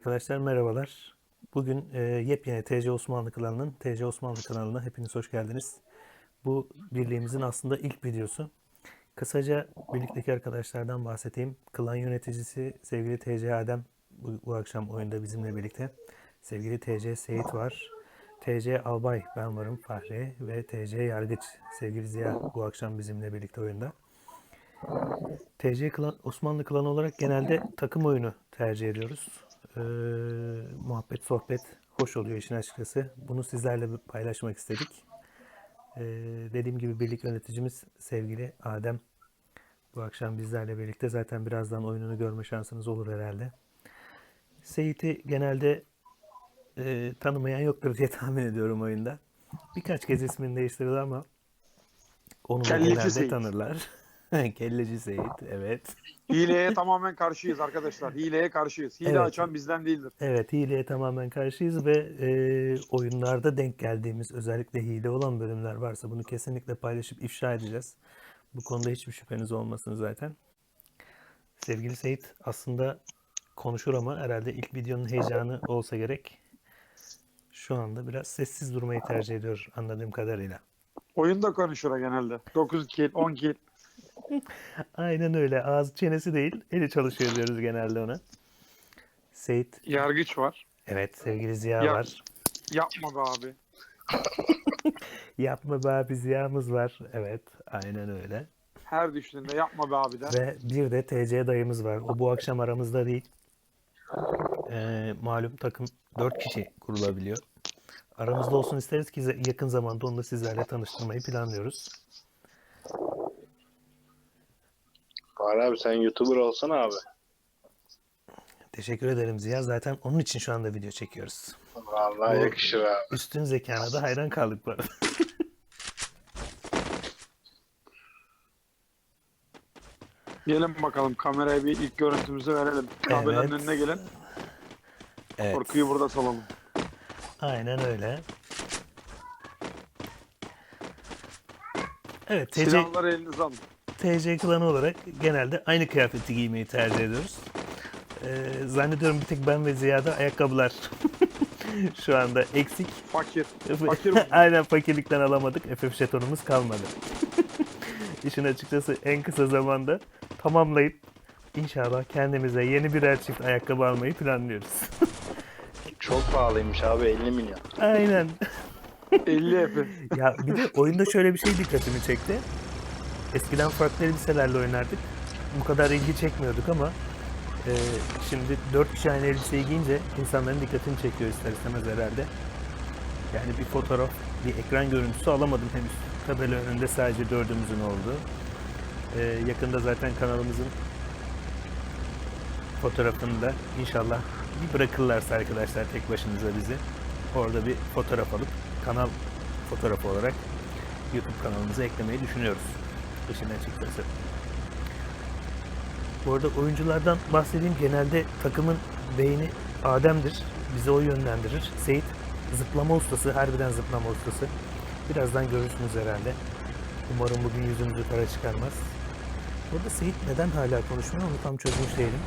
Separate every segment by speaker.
Speaker 1: Arkadaşlar merhabalar. Bugün yepyeni TC Osmanlı klanının TC Osmanlı kanalına hepiniz hoş geldiniz. Bu birliğimizin aslında ilk videosu. Kısaca birlikteki arkadaşlardan bahsedeyim. Klan yöneticisi sevgili TC Adem bu akşam oyunda bizimle birlikte. Sevgili TC Seyit var. TC Albay ben varım Fahri ve TC Yargıç sevgili Ziya bu akşam bizimle birlikte oyunda. TC klan, Osmanlı klanı olarak genelde takım oyunu tercih ediyoruz. Ee, Muhabbet, sohbet hoş oluyor işin açıkçası. Bunu sizlerle paylaşmak istedik. Ee, Dediğim gibi birlik yöneticimiz sevgili Adem bu akşam bizlerle birlikte. Zaten birazdan oyununu görme şansınız olur herhalde. Seyit'i genelde tanımayan yoktur diye tahmin ediyorum oyunda. Birkaç kez ismini değiştirdi ama onu da
Speaker 2: Kelleci
Speaker 1: genelde
Speaker 2: Seyit.
Speaker 1: tanırlar. Kelleci Seyit, evet.
Speaker 2: Hileye tamamen karşıyız arkadaşlar. Hileye karşıyız. Hile
Speaker 1: Evet,
Speaker 2: açan bizden değildir.
Speaker 1: evet hileye tamamen karşıyız ve oyunlarda denk geldiğimiz özellikle hile olan bölümler varsa bunu kesinlikle paylaşıp ifşa edeceğiz. Bu konuda hiçbir şüpheniz olmasın zaten. Sevgili Seyit aslında konuşur ama herhalde ilk videonun heyecanı olsa gerek. Şu anda biraz sessiz durmayı tercih ediyor anladığım kadarıyla.
Speaker 2: Oyunda konuşur genelde. 9 kill, 10 kill.
Speaker 1: Aynen öyle. Ağzı çenesi değil, eli çalışıyor diyoruz genelde ona. Seyit,
Speaker 2: Yargıç var.
Speaker 1: evet sevgili Ziya
Speaker 2: Ya,
Speaker 1: var.
Speaker 2: yapma be abi.
Speaker 1: Yapma be abi Ziya'mız var. Evet, aynen öyle.
Speaker 2: Her düştüğünde yapma be abi der.
Speaker 1: Ve bir de TC dayımız var. O bu akşam aramızda değil. Malum takım 4 kişi kurulabiliyor. Aramızda olsun isteriz ki yakın zamanda onu da sizlerle tanıştırmayı planlıyoruz.
Speaker 3: Var abi, sen YouTuber olsana abi.
Speaker 1: Teşekkür ederim Ziya. Zaten onun için şu anda video çekiyoruz.
Speaker 3: Vallahi
Speaker 1: Bu
Speaker 3: yakışır abi.
Speaker 1: üstün zekana da hayran kaldık bu arada.
Speaker 2: Gelin bakalım kameraya bir ilk görüntümüzü verelim. Kabelanın
Speaker 1: Evet.
Speaker 2: önüne gelin.
Speaker 1: Evet.
Speaker 2: Korkuyu burada salalım.
Speaker 1: Aynen öyle. Evet,
Speaker 2: Silahları elinize alın.
Speaker 1: TC klanı olarak genelde aynı kıyafeti giymeyi tercih ediyoruz. Zannediyorum bir tek ben ve Ziya'da ayakkabılar şu anda eksik.
Speaker 2: Fakir. Fakir mi?
Speaker 1: Aynen fakirlikten alamadık. FF jetonumuz kalmadı. İşin açıkçası en kısa zamanda tamamlayıp inşallah kendimize yeni birer çift ayakkabı almayı planlıyoruz.
Speaker 3: Çok pahalıymış abi, 50 milyon.
Speaker 1: Aynen.
Speaker 2: 50 epi.
Speaker 1: Ya bir de oyunda şöyle bir şey dikkatimi çekti. Eskiden farklı elbiselerle oynardık. Bu kadar ilgi çekmiyorduk ama şimdi 4 kişi aynı elbiseyi giyince insanların dikkatini çekiyor ister istemez herhalde. Yani bir fotoğraf, bir ekran görüntüsü alamadım henüz. Tabela önünde sadece dördümüzün olduğu. Yakında zaten kanalımızın fotoğrafını da inşallah bir bırakırlarsa arkadaşlar tek başınıza bizi. Orada bir fotoğraf alıp kanal fotoğrafı olarak YouTube kanalımıza eklemeyi düşünüyoruz. İşin açıkçası. Bu arada oyunculardan bahsedeyim. Genelde takımın beyni Adem'dir. Bizi o yönlendirir. Seyit zıplama ustası. Harbiden zıplama ustası. Birazdan görürsünüz herhalde. Umarım bugün yüzümüzü kara çıkarmaz. Burada Seyit neden hala konuşmuyor onu tam çözmüş değilim.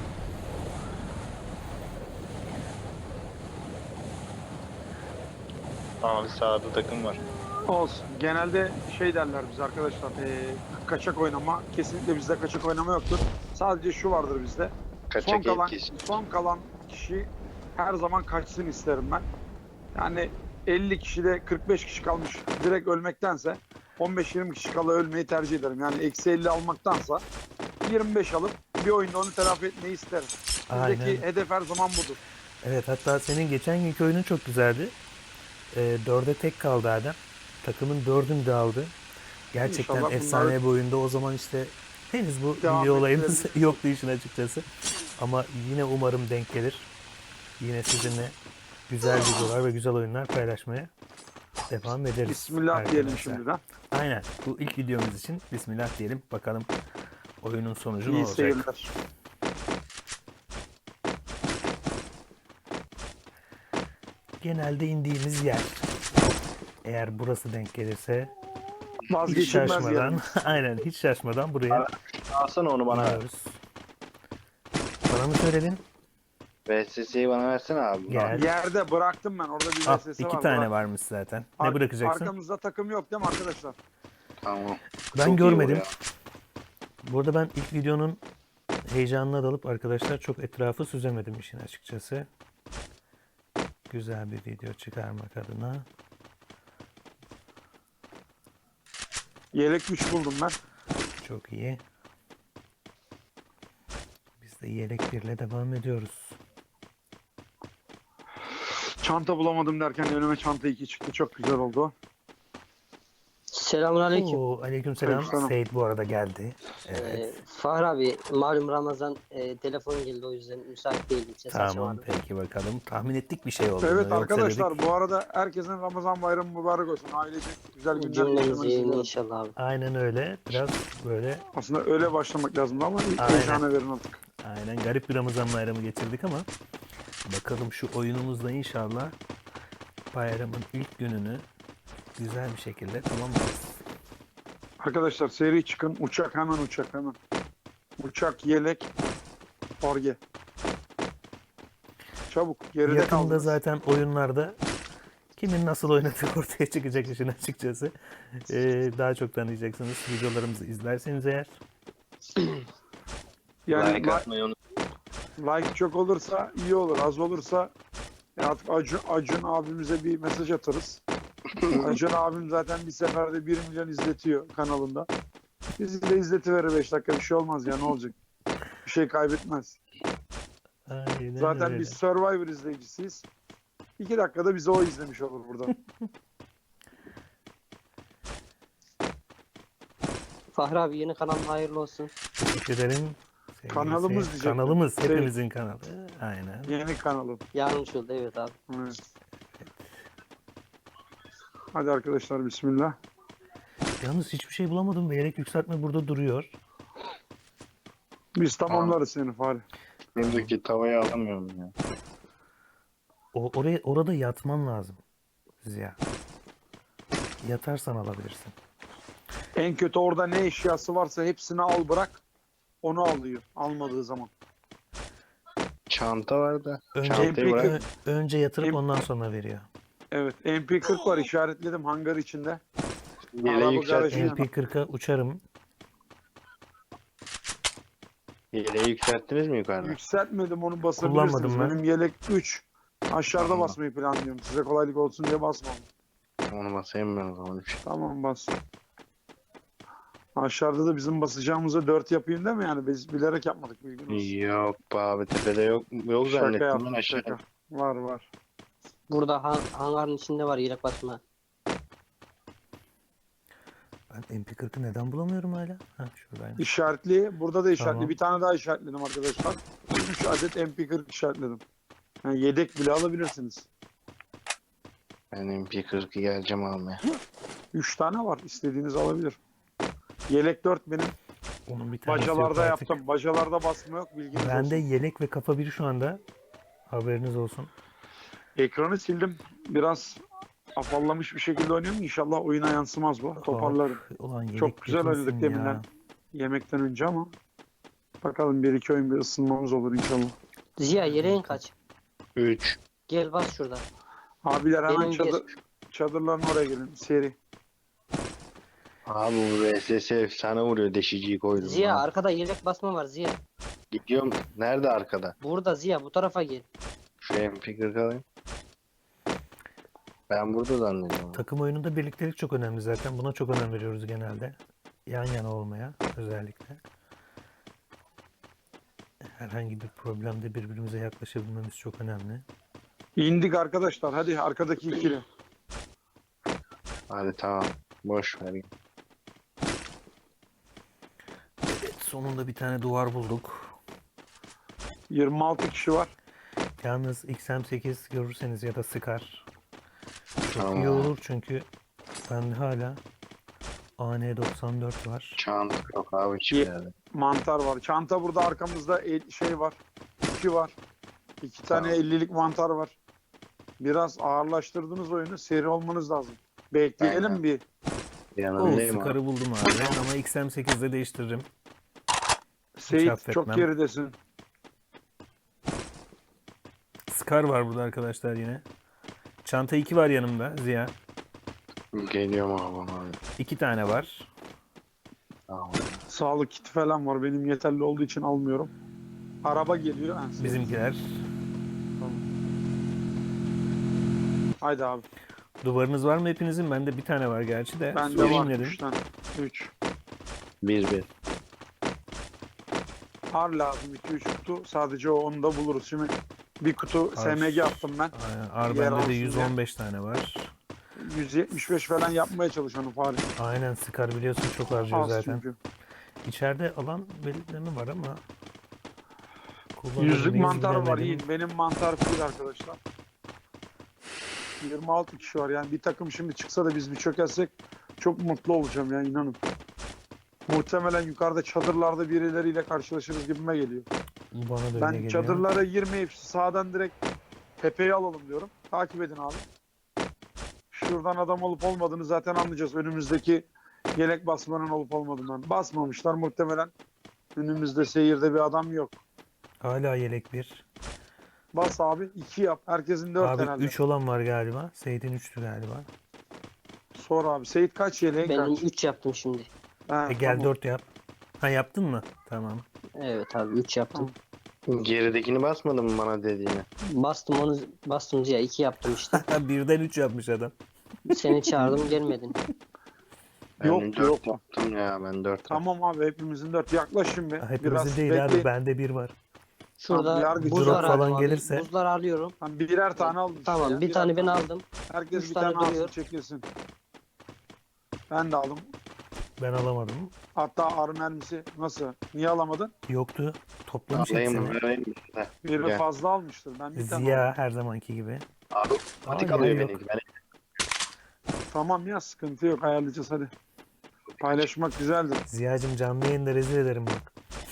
Speaker 3: Abi sağda takım var.
Speaker 2: Olsun. Genelde şey derler biz arkadaşlar. Kaçak oynama. Kesinlikle bizde kaçak oynama yoktur. Sadece şu vardır bizde.
Speaker 3: Kaçak kişi.
Speaker 2: Son kalan kişi her zaman kaçsın isterim ben. Yani 50 kişide 45 kişi kalmış direkt ölmektense 15-20 kişi kala ölmeyi tercih ederim. Yani eksi 50 almaktansa 25 alıp bir oyunda onu telafi etmeyi isterim. Bizdeki
Speaker 1: Aynen.
Speaker 2: hedef her zaman budur.
Speaker 1: Evet hatta senin geçen günkü oyunun çok güzeldi. 4'e tek kaldı Adem. Takımın 4'ünü de aldı. Gerçekten
Speaker 2: İnşallah
Speaker 1: efsane
Speaker 2: bunları
Speaker 1: bir oyunda. O zaman işte henüz bu
Speaker 2: devam
Speaker 1: video olayımız
Speaker 2: ettirebiliriz.
Speaker 1: yoktu işin açıkçası. Ama yine umarım denk gelir. Yine sizinle güzel videolar ve güzel oyunlar paylaşmaya devam ederiz.
Speaker 2: Bismillah diyelim
Speaker 1: arkadaşlar.
Speaker 2: şimdiden.
Speaker 1: Aynen. Bu ilk videomuz için Bismillah diyelim. Bakalım oyunun sonucu ne
Speaker 2: İyi
Speaker 1: olacak.
Speaker 2: seyirler.
Speaker 1: Genelde indiğimiz yer. Eğer burası denk gelirse hiç
Speaker 2: Vazgeçilmez
Speaker 1: şaşmadan,
Speaker 2: yerimiz.
Speaker 1: aynen hiç şaşmadan buraya
Speaker 3: Alsana onu bana.
Speaker 1: iniyoruz. Bana mı söyledin?
Speaker 3: VSS'yi bana versene abi.
Speaker 1: Gel.
Speaker 2: Yerde bıraktım ben. Orada bir
Speaker 1: Al,
Speaker 2: VSS
Speaker 1: 2
Speaker 2: var.
Speaker 1: tane
Speaker 2: bırak.
Speaker 1: varmış zaten. Ne bırakacaksın?
Speaker 2: Arkamızda takım yok değil mi arkadaşlar?
Speaker 3: Tamam.
Speaker 1: Ben
Speaker 3: Çok iyi
Speaker 1: görmedim.
Speaker 3: o ya.
Speaker 1: Burada ben ilk videonun heyecanına dalıp arkadaşlar çok etrafı süzemedim işin açıkçası. Güzel bir video çıkarmak adına.
Speaker 2: Yelek 3 buldum ben.
Speaker 1: Çok iyi. Biz de yelek 1'le devam ediyoruz.
Speaker 2: Çanta bulamadım derken önüme çanta 2 çıktı. Çok güzel oldu.
Speaker 4: Selamünaleyküm.
Speaker 1: Oo, aleykümselam.
Speaker 2: Aleykümselam.
Speaker 1: Seyit bu arada geldi. Evet.
Speaker 4: Fahri abi malum Ramazan telefon geldi o yüzden müsait değildim. Ses
Speaker 1: Tamam
Speaker 4: açamadım.
Speaker 1: peki bakalım. Tahmin ettik bir şey olduğunu.
Speaker 2: Evet
Speaker 1: Yoksa
Speaker 2: arkadaşlar
Speaker 1: dedik-
Speaker 2: bu arada herkesin Ramazan bayramı mübarek olsun. Ailecek güzel günler
Speaker 4: Cümlemiz
Speaker 2: geçirmenizi
Speaker 4: yayın
Speaker 2: diliyorum.
Speaker 4: inşallah abi.
Speaker 1: Aynen öyle. Biraz böyle
Speaker 2: Aslında öyle başlamak lazımdı ama
Speaker 1: Aynen.
Speaker 2: heyecana verin artık.
Speaker 1: aynen garip bir Ramazan bayramı geçirdik ama bakalım şu oyunumuzda inşallah bayramın ilk gününü güzel bir şekilde tamamlarız.
Speaker 2: Arkadaşlar seri çıkın. Uçak hemen uçak hemen. Uçak, yelek, orge. Çabuk geride
Speaker 1: Yakında
Speaker 2: kaldınız.
Speaker 1: zaten oyunlarda kimin nasıl oynadığı ortaya çıkacak işin açıkçası. Daha çok tanıyacaksınız videolarımızı izlerseniz eğer.
Speaker 2: Yani
Speaker 3: Like atmayı unut.
Speaker 2: like çok olursa iyi olur. Az olursa artık Acun abimize bir mesaj atarız. Acun abim zaten bir seferde 1 milyon izletiyor kanalında. Bizi de izletiverir 5 dakika bir şey olmaz ya ne olacak? Bir şey kaybetmez.
Speaker 1: Aynen
Speaker 2: Zaten
Speaker 1: öyle.
Speaker 2: biz Survivor izleyicisiyiz. 2 dakikada bizi o izlemiş olur burada.
Speaker 4: Fahri abi yeni kanalın hayırlı olsun.
Speaker 1: Teşekkür ederim. Sevgili
Speaker 2: Kanalımız
Speaker 1: seyir-
Speaker 2: diyecektim.
Speaker 1: Kanalımız.
Speaker 2: Şey-
Speaker 1: Hepimizin kanalı. Aynen.
Speaker 2: Yeni kanalım.
Speaker 4: Yanlış oldu evet abi.
Speaker 2: Evet. Hadi arkadaşlar bismillah.
Speaker 1: Yalnız hiçbir şey bulamadım ve yelek yükseltme burada duruyor.
Speaker 2: Biz tamamlarız seni Fahri.
Speaker 3: Şimdiki tavayı alamıyorum ya.
Speaker 1: Orada yatman lazım. Ziya. Yatarsan alabilirsin.
Speaker 2: En kötü orada ne eşyası varsa hepsini al bırak. Onu alıyor. Almadığı zaman.
Speaker 3: Çanta var da.
Speaker 1: Önce,
Speaker 3: Çantayı bırak.
Speaker 1: önce yatırıp
Speaker 2: Em-
Speaker 1: ondan sonra veriyor.
Speaker 2: Evet. MP40 var işaretledim hangar içinde.
Speaker 3: Yeleği
Speaker 2: Araba
Speaker 3: yükselt.
Speaker 2: garajı-
Speaker 1: MP40'a uçarım.
Speaker 3: Yeleği yükselttiniz mi yukarıda?
Speaker 2: Yükseltmedim onu basabilirsiniz.
Speaker 1: Kullanmadım ben.
Speaker 2: Benim yelek 3. Aşağıda
Speaker 3: Tamam.
Speaker 2: basmayı planlıyorum. Size kolaylık olsun diye basmam.
Speaker 3: Onu basayım ben o zaman.
Speaker 2: Tamam bas. Aşağıda da bizim basacağımıza 4 yapayım değil mi yani? Biz bilerek yapmadık bilgin olsun.
Speaker 3: Yok be abi tepede yok. Yok
Speaker 2: Şaka
Speaker 3: zannettim ben
Speaker 2: yaptım
Speaker 3: aşağı.
Speaker 2: şaka. Var var.
Speaker 4: Burada hangarın içinde var yelek basma.
Speaker 1: Ben MP40'ı neden bulamıyorum hala? Ha şuradaymış.
Speaker 2: İşaretli. Burada da işaretli.
Speaker 1: Tamam.
Speaker 2: Bir tane daha işaretledim arkadaşlar. 3 adet MP40 işaretledim. Yani yedek bile alabilirsiniz.
Speaker 3: Ben MP40'ı geleceğim almaya.
Speaker 2: 3 tane var. İstediğiniz alabilir. Yelek 4 benim.
Speaker 1: Onun bir tanesi yok
Speaker 2: Bacalarda
Speaker 1: artık.
Speaker 2: yaptım. Bacalarda basma yok. Bilginiz
Speaker 1: Bende
Speaker 2: olsun.
Speaker 1: yelek ve kafa biri şu anda. Haberiniz olsun.
Speaker 2: Ekranı sildim. Biraz afallamış bir şekilde oynuyorum. İnşallah oyuna yansımaz bu. Toparlarım.
Speaker 1: Ulan yelek
Speaker 2: Çok güzel
Speaker 1: bitmesin
Speaker 2: oynadık
Speaker 1: ya.
Speaker 2: deminden. Yemekten önce ama. Bakalım bir iki oyun bir ısınmamız olur inşallah.
Speaker 4: Ziya yeleğin kaç?
Speaker 3: 3.
Speaker 4: Gel bas şurada.
Speaker 2: Abiler hemen
Speaker 4: Benim bir.
Speaker 2: çadırların oraya gelin. Seri.
Speaker 3: Abi bu VSS efsane vuruyor deşiciyi koydum.
Speaker 4: Ziya
Speaker 3: ha.
Speaker 4: arkada yelek basma var Ziya.
Speaker 3: Gidiyorum. Nerede arkada?
Speaker 4: Burada Ziya bu tarafa gel.
Speaker 3: Şu MP40 alayım. Ben burada zannediyorum.
Speaker 1: Takım oyununda birliktelik çok önemli zaten. Buna çok önem veriyoruz genelde. Yan yana olmaya özellikle. Herhangi bir problemde birbirimize yaklaşabilmemiz çok önemli.
Speaker 2: İndik arkadaşlar. Hadi arkadaki ikili.
Speaker 3: Hadi tamam. Boş ver.
Speaker 1: Evet, sonunda bir tane duvar bulduk.
Speaker 2: 26 kişi var.
Speaker 1: Yalnız XM8 görürseniz ya da Scar çok
Speaker 3: Tamam.
Speaker 1: iyi olur çünkü bende hala AN94 var.
Speaker 3: Çanta yok abi hiçbir yerde.
Speaker 2: Mantar var. Çanta burada arkamızda şey var. 2 var. 2 tane
Speaker 3: Tamam.
Speaker 2: 50'lik mantar var. Biraz ağırlaştırdınız oyunu. Seri olmanız lazım. Bekleyelim
Speaker 3: Aynen.
Speaker 2: bir.
Speaker 1: O
Speaker 3: Yanındayım abi.
Speaker 1: Scar'ı buldum abi ama XM8'de değiştiririm.
Speaker 2: Seyit
Speaker 1: affetmem.
Speaker 2: çok geridesin.
Speaker 1: Scar var burada arkadaşlar yine. Çanta 2 var yanımda Ziya.
Speaker 3: Geliyorum abi.
Speaker 1: 2 tane var.
Speaker 3: Tamam.
Speaker 2: Sağlık kiti falan var. Benim yeterli olduğu için almıyorum. Araba geliyor. Ha,
Speaker 1: Bizimkiler.
Speaker 2: Haydi abi.
Speaker 1: Duvarınız var mı hepinizin? Bende bir tane var gerçi de.
Speaker 2: Bende
Speaker 1: Sorayım
Speaker 2: var
Speaker 1: dedim.
Speaker 2: 3 tane. 3.
Speaker 3: 1-1.
Speaker 2: Ar lazım 2-3 kutu. Sadece onu da buluruz. Şimdi bir kutu
Speaker 1: Ar.
Speaker 2: SMG attım ben.
Speaker 1: Aynen. Ar
Speaker 2: Yer
Speaker 1: bende
Speaker 2: alsın
Speaker 1: de
Speaker 2: diye.
Speaker 1: 115 tane var.
Speaker 2: 175 falan yapmaya çalışıyorum Fahri.
Speaker 1: Aynen Scar biliyorsun çok harcıyor
Speaker 2: Az
Speaker 1: zaten.
Speaker 2: çünkü.
Speaker 1: İçeride alan belirtme var ama kullanır
Speaker 2: Yüzlük
Speaker 1: mıyız
Speaker 2: mantar var.
Speaker 1: bilemedim.
Speaker 2: İyi. Benim mantar full arkadaşlar. 26 kişi var. Yani bir takım şimdi çıksa da biz bir çökersek çok mutlu olacağım ya inanın. Muhtemelen yukarıda çadırlarda birileriyle karşılaşırız gibime geliyor.
Speaker 1: Bana da öyle
Speaker 2: Ben
Speaker 1: geliyor.
Speaker 2: çadırlara girmeyip sağdan direkt tepeyi alalım diyorum. Takip edin abi. Şuradan adam olup olmadığını zaten anlayacağız. Önümüzdeki yelek basmanın olup olmadığından. Basmamışlar muhtemelen. Önümüzde seyirde bir adam yok.
Speaker 1: Hala yelek 1.
Speaker 2: Bas abi 2 yap. Herkesin 4
Speaker 1: Abi
Speaker 2: herhalde.
Speaker 1: 3 olan var galiba. Seyit'in 3'tü galiba.
Speaker 2: Sor abi. Seyit kaç yeleğin
Speaker 4: Benim
Speaker 2: kaç?
Speaker 4: 3 yaptım şimdi.
Speaker 2: Ha,
Speaker 1: Gel
Speaker 2: tamam.
Speaker 1: 4 yap. Ha yaptın mı? Tamam.
Speaker 4: Evet abi 3 yaptım.
Speaker 3: Geridekini basmadın mı bana dediğini?
Speaker 4: Bastım Ziya 2 yaptım işte.
Speaker 1: Birden 3 yapmış adam.
Speaker 4: Seni çağırdım gelmedin.
Speaker 2: Yok,
Speaker 3: Ben
Speaker 2: yok.
Speaker 3: 4 yaptım ya, ben 4 yaptım.
Speaker 2: Tamam abi hepimizin 4. Yaklaşın be.
Speaker 1: Hepimizin
Speaker 2: Biraz
Speaker 1: değil
Speaker 2: bekleyin.
Speaker 1: abi. Bende 1 var.
Speaker 4: Şurada
Speaker 2: yargıcı
Speaker 4: buzlar
Speaker 1: drop falan
Speaker 4: aldım abi.
Speaker 1: gelirse-
Speaker 4: Buzlar alıyorum.
Speaker 2: Hani birer tane aldım. işte
Speaker 4: Tamam
Speaker 2: ya,
Speaker 4: bir
Speaker 2: birer
Speaker 4: tane ben aldım.
Speaker 2: Herkes
Speaker 4: üç
Speaker 2: bir
Speaker 4: tane
Speaker 2: tane alsın
Speaker 4: duruyor.
Speaker 2: çekilsin. Ben de aldım.
Speaker 1: Ben alamadım.
Speaker 2: Hatta ar mermisi nasıl? Niye alamadın?
Speaker 1: Yoktu. Toplamış
Speaker 3: Alayım mı?
Speaker 1: hepsini.
Speaker 3: Vereyim mi size?
Speaker 2: Biri
Speaker 3: Gel.
Speaker 2: fazla almıştır. Ben bir tane aldım.
Speaker 1: Ziya her zamanki gibi.
Speaker 3: Abi
Speaker 1: Aa,
Speaker 3: patik
Speaker 1: yer
Speaker 3: alıyor
Speaker 1: yok.
Speaker 3: beni. Ben
Speaker 2: Tamam ya sıkıntı yok ayarlayacağız hadi. Paylaşmak güzeldir.
Speaker 1: Ziya'cım canlı yayında rezil ederim bak.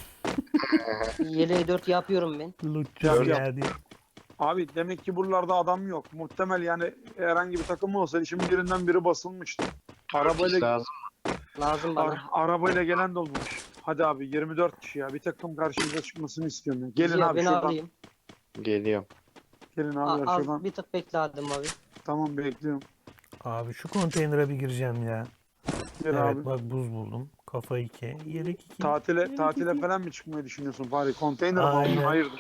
Speaker 4: Yeleği 4 yapıyorum ben.
Speaker 1: Lutçu
Speaker 2: Yap,
Speaker 1: Ziya diye.
Speaker 2: Abi demek ki buralarda adam yok. Muhtemel yani herhangi bir takım olsa şimdi birinden biri basılmıştı. Arabayla,
Speaker 3: lazım.
Speaker 4: Lazım bana.
Speaker 2: arabayla gelen de olmamış. Hadi abi 24 kişi ya. Bir takım karşımıza çıkmasını istiyorum ya. Gelin
Speaker 4: Ziya
Speaker 2: abi
Speaker 4: beni
Speaker 2: şuradan.
Speaker 4: alayım.
Speaker 3: Geliyorum.
Speaker 2: Gelin abi
Speaker 4: Az
Speaker 2: şuradan.
Speaker 4: bir tık bekle Adem abi.
Speaker 2: Tamam bekliyorum.
Speaker 1: Abi şu konteynere bir gireceğim ya.
Speaker 2: Gel
Speaker 1: Evet
Speaker 2: abi.
Speaker 1: bak buz buldum. Kafa 2. Yelek 2.
Speaker 2: Tatile falan mı çıkmayı düşünüyorsun Fahri? Konteyner mi
Speaker 1: Aynen.
Speaker 2: aldın? Hayırdır?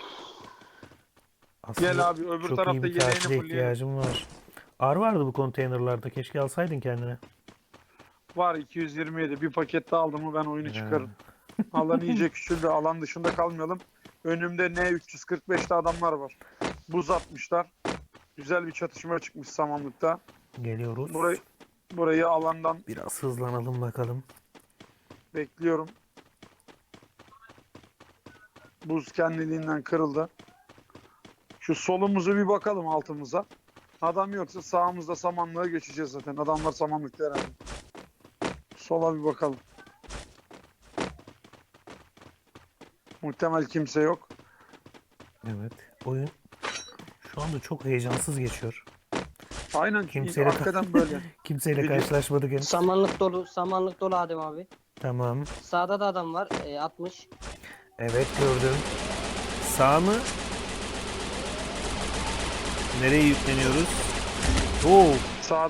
Speaker 1: Aslında
Speaker 2: Gel abi öbür
Speaker 1: çok iyi
Speaker 2: tarafta
Speaker 1: bir
Speaker 2: yeleğini
Speaker 1: tatile
Speaker 2: fulleyelim.
Speaker 1: ihtiyacım var. Ar vardı bu konteynerlarda. Keşke alsaydın kendine.
Speaker 2: Var 227. Bir paket daha aldım mı ben oyunu
Speaker 1: Ha.
Speaker 2: çıkarım. Alan iyice küçüldü. Alan dışında kalmayalım. Önümde N345'te adamlar var. Buz atmışlar. Güzel bir çatışma çıkmış samanlıkta.
Speaker 1: Geliyoruz.
Speaker 2: Burayı alandan
Speaker 1: Biraz hızlanalım bakalım.
Speaker 2: bekliyorum. Buz kendiliğinden kırıldı. Şu solumuzu bir bakalım altımıza. Adam yoksa sağımızda samanlığa geçeceğiz zaten. Adamlar samanlıkta herhalde. Sola bir bakalım. Muhtemel kimse yok.
Speaker 1: Evet. Oyun şu anda çok heyecansız geçiyor.
Speaker 2: Aynen
Speaker 1: Kimseyle-
Speaker 2: hakikaten böyle.
Speaker 1: Kimseyle
Speaker 2: Video-
Speaker 1: karşılaşmadık henüz.
Speaker 4: Samanlık dolu Adem abi.
Speaker 1: Tamam.
Speaker 4: Sağda da adam var. 60.
Speaker 1: Evet gördüm. Sağ mı? Nereye yükleniyoruz? Oo.
Speaker 2: Sağda.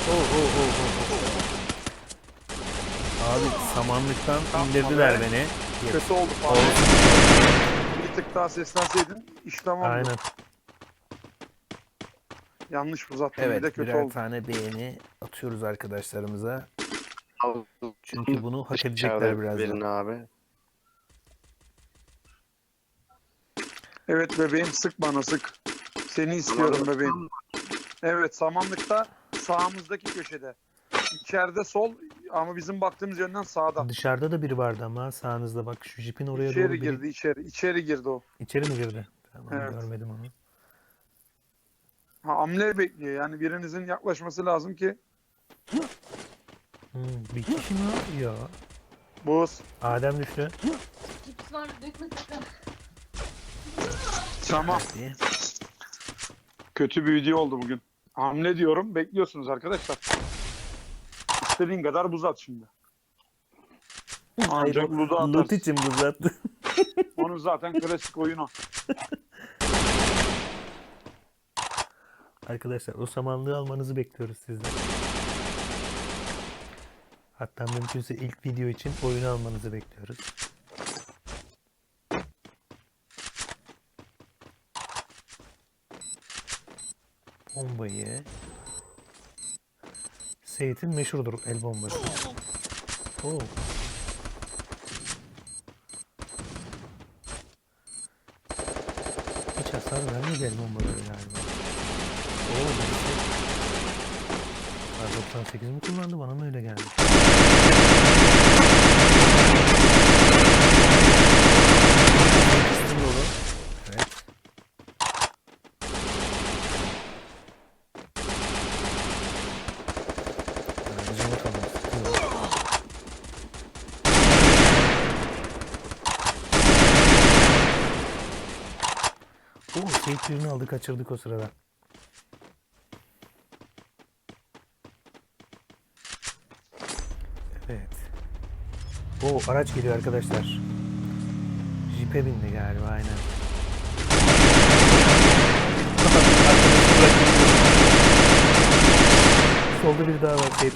Speaker 1: Abi samanlıktan
Speaker 2: Tamam
Speaker 1: indirdiler
Speaker 2: be.
Speaker 1: beni.
Speaker 2: Kötü oldu falan.
Speaker 1: Olsun.
Speaker 2: Bir tık daha seslenseydin iş tamamdı.
Speaker 1: Aynen.
Speaker 2: Yanlış uzattım bir de
Speaker 1: Evet
Speaker 2: kötü
Speaker 1: birer
Speaker 2: oldu.
Speaker 1: tane beğeni atıyoruz arkadaşlarımıza.
Speaker 3: Al.
Speaker 1: Çünkü bunu hak edecekler
Speaker 3: İçeride
Speaker 1: birazdan.
Speaker 3: birini abi.
Speaker 2: Evet bebeğim sık bana sık. Seni istiyorum
Speaker 3: Samanlık.
Speaker 2: bebeğim. Evet samanlıkta sağımızdaki köşede. İçeride sol ama bizim baktığımız yönden sağda.
Speaker 1: Dışarıda da biri vardı ama sağınızda bak şu jipin oraya doğru
Speaker 2: İçeri
Speaker 1: biri...
Speaker 2: girdi içeri. İçeri girdi o.
Speaker 1: İçeri mi girdi? Tamam
Speaker 2: Evet.
Speaker 1: görmedim onu.
Speaker 2: Ha, hamle bekliyor. Yani birinizin yaklaşması lazım ki
Speaker 1: Bir kişi mi var? Ya.
Speaker 2: Buz.
Speaker 1: Adem düştü.
Speaker 5: Cips var dökme sakın.
Speaker 2: Tamam.
Speaker 1: Hadi.
Speaker 2: Kötü bir video oldu bugün. Hamle diyorum. Bekliyorsunuz arkadaşlar. İstediğin kadar buz at şimdi. Ancak Ludo
Speaker 1: Lut
Speaker 2: atarsın.
Speaker 1: için uzattı.
Speaker 2: Onun zaten klasik oyunu.
Speaker 1: Arkadaşlar o samanlığı almanızı bekliyoruz sizden. Hatta mümkünse ilk video için oyunu almanızı bekliyoruz. Bombayı. Seyit'in meşhurdur el bombası. Oo. Hiç hasar vermedi el bombaları galiba. Oo, birisi R98 mi kullandı? Bana mı öyle geldi? Evet. Aracı bakalım. Sıkıyor. Oo, Seyit birini aldı, kaçırdık o sırada. Evet. O araç geliyor arkadaşlar. Jeep'e bindi galiba, aynen. Solda bir daha var Seyit.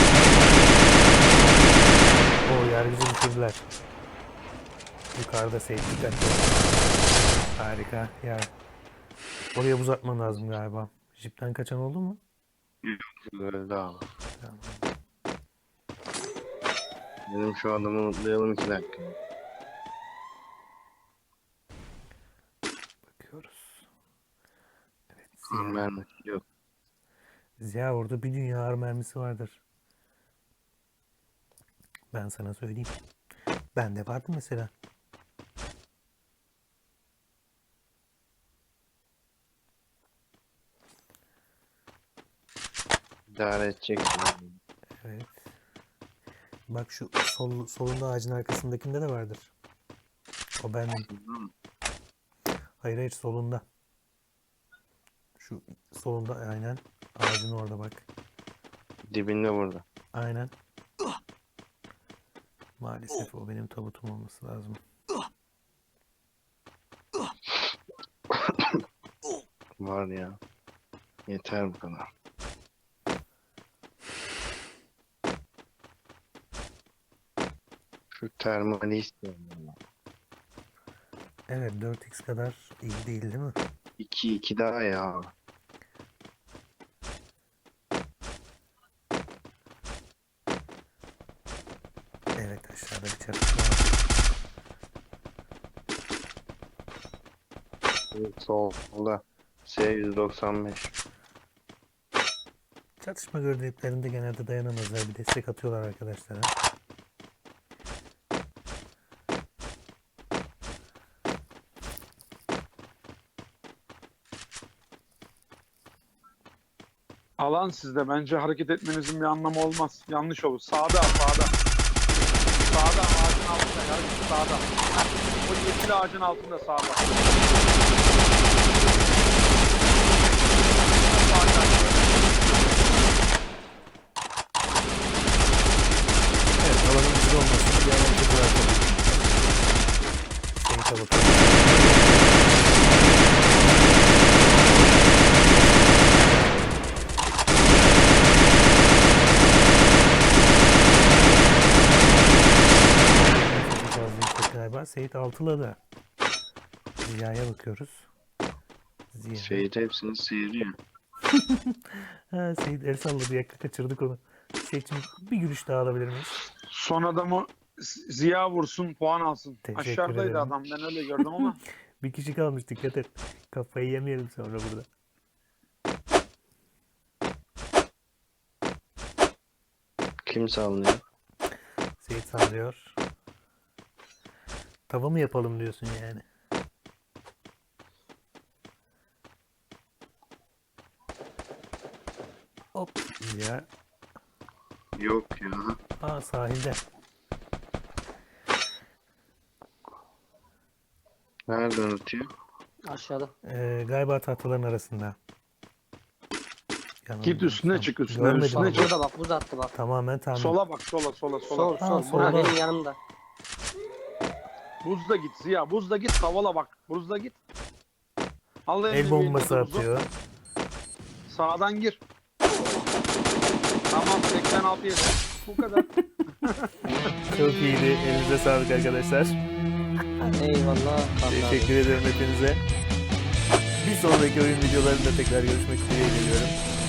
Speaker 1: O yargıcı düşürdüler. Yukarıda Seyit dikkatli. Harika. Ya. Oraya buz atman lazım galiba. Jeep'ten kaçan oldu mu?
Speaker 3: Öldü abi.
Speaker 1: Tamam.
Speaker 3: Benim şu adamı unutlayalım 2 dakika.
Speaker 1: Bakıyoruz. Evet.
Speaker 3: Ben yok.
Speaker 1: Ziya orada bir dünya ağır mermisi vardır. Ben sana söyleyeyim. Bende vardı mesela.
Speaker 3: İdare edeceksin.
Speaker 1: Evet. Bak şu solunda ağacın arkasındakinde de vardır. O benim. Hayır hayır, solunda. Şu solunda aynen. Ağacın orada bak.
Speaker 3: Dibinde burada.
Speaker 1: Aynen. Maalesef o benim tabutum olması lazım.
Speaker 3: Var ya. Yeter bu kadar. Şu termali istiyorum.
Speaker 1: Evet, 4x kadar iyi değil mi?
Speaker 3: 2 daha ya.
Speaker 1: Evet, aşağıda bir çatışma var.
Speaker 3: Solda. S195.
Speaker 1: Çatışma gördüklerinde genelde dayanamazlar. Bir destek atıyorlar arkadaşlara.
Speaker 2: Alan sizde. Bence hareket etmenizin bir anlamı olmaz. Yanlış olur. Sağda, sağda. Sağda, ağacın altında. Yargıç sağda. Heh, o yeşil ağacın altında sağda.
Speaker 1: Evet, alanın güzel olmasının bir avantajı var tabii. Seyit'e bakalım. Çok fazla yüksek galiba. Seyit altıladı. Ziya'ya bakıyoruz. Ziya.
Speaker 3: Seyit hepsini sıyırıyor.
Speaker 1: Ha, Seyit el salladı. Yakka kaçırdık onu. Seyit'cim bir gülüş daha alabilir miyiz?
Speaker 2: Son adamı Ziya vursun, puan alsın.
Speaker 1: Teşekkür
Speaker 2: Aşağıdaydı
Speaker 1: ederim.
Speaker 2: adam. Ben öyle gördüm ama.
Speaker 1: Bir kişi kalmış, dikkat et. Kafayı yemeyelim sonra burada.
Speaker 3: Kim sallıyor?
Speaker 1: Seyit sallıyor. Tava mı yapalım diyorsun yani? Hop ya.
Speaker 3: Yok ya.
Speaker 1: Aa, sahilde.
Speaker 3: Nereden atıyor?
Speaker 4: Aşağıda.
Speaker 1: Galiba tahtaların arasında.
Speaker 2: Git üstüne çık, üstüne,
Speaker 1: Görmedim
Speaker 2: üstüne
Speaker 1: ama.
Speaker 2: çık.
Speaker 4: Burada bak buz attı bak.
Speaker 1: Tamamen tahmin.
Speaker 2: Sola bak, sola, sola, sola.
Speaker 4: Sol
Speaker 1: Ha,
Speaker 4: sol.
Speaker 1: solda.
Speaker 4: Ha, benim yanımda.
Speaker 2: Buzda git Ziya, buzda git, tavala bak. Buzda git. Al
Speaker 1: El
Speaker 2: elini
Speaker 1: bombası
Speaker 2: bir elinde buzu.
Speaker 1: atıyor.
Speaker 2: Sağdan gir. Tamam 86 yedi. Bu kadar.
Speaker 1: Çok iyiydi. Elinize sağlık arkadaşlar.
Speaker 4: Eyvallah. vallahi.
Speaker 1: Teşekkür ederim hepinize. Bir sonraki oyun videolarında tekrar görüşmek üzere geliyorum.